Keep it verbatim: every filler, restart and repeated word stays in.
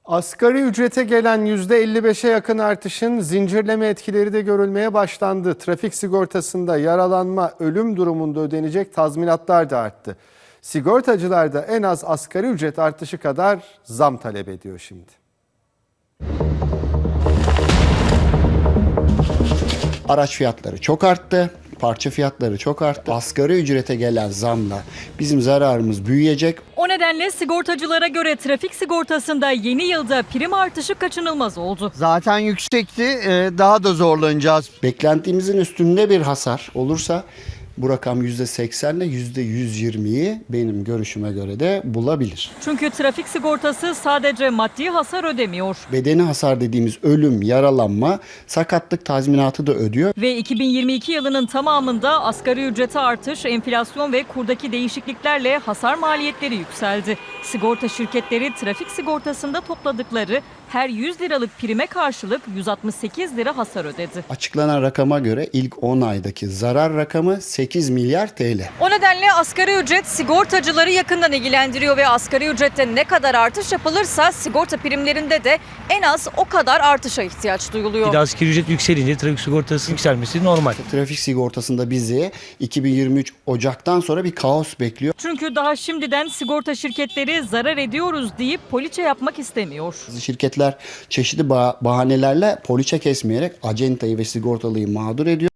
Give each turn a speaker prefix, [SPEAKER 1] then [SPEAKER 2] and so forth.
[SPEAKER 1] Asgari ücrete gelen yüzde elli beşe yakın artışın zincirleme etkileri de görülmeye başlandı. Trafik sigortasında yaralanma, ölüm durumunda ödenecek tazminatlar da arttı. Sigortacılar da en az asgari ücret artışı kadar zam talep ediyor şimdi.
[SPEAKER 2] Araç fiyatları çok arttı. Parça fiyatları çok arttı. Asgari ücrete gelen zamla bizim zararımız büyüyecek.
[SPEAKER 3] O nedenle sigortacılara göre trafik sigortasında yeni yılda prim artışı kaçınılmaz oldu.
[SPEAKER 4] Zaten yüksekti, e, daha da zorlanacağız.
[SPEAKER 2] Beklentimizin üstünde bir hasar olursa bu rakam yüzde seksen ile yüzde yüz yirmiyi benim görüşüme göre de bulabilir.
[SPEAKER 3] Çünkü trafik sigortası sadece maddi hasar ödemiyor.
[SPEAKER 2] Bedeni hasar dediğimiz ölüm, yaralanma, sakatlık tazminatı da ödüyor.
[SPEAKER 3] Ve iki bin yirmi iki yılının tamamında asgari ücrete artış, enflasyon ve kurdaki değişikliklerle hasar maliyetleri yükseldi. Sigorta şirketleri trafik sigortasında topladıkları her yüz liralık prime karşılık yüz altmış sekiz lira hasar ödedi.
[SPEAKER 2] Açıklanan rakama göre ilk on aydaki zarar rakamı sekiz milyar T L.
[SPEAKER 3] O nedenle asgari ücret sigortacıları yakından ilgilendiriyor ve asgari ücrette ne kadar artış yapılırsa sigorta primlerinde de en az o kadar artışa ihtiyaç duyuluyor.
[SPEAKER 5] Bir de asgari ücret yükselince trafik sigortası yükselmesi normal.
[SPEAKER 2] Trafik sigortasında bizi iki bin yirmi üç Ocak'tan sonra bir kaos bekliyor.
[SPEAKER 3] Çünkü daha şimdiden sigorta şirketleri zarar ediyoruz deyip poliçe yapmak istemiyor.
[SPEAKER 2] Şirketler çeşitli bah- bahanelerle poliçe kesmeyerek acentayı ve sigortalıyı mağdur ediyor.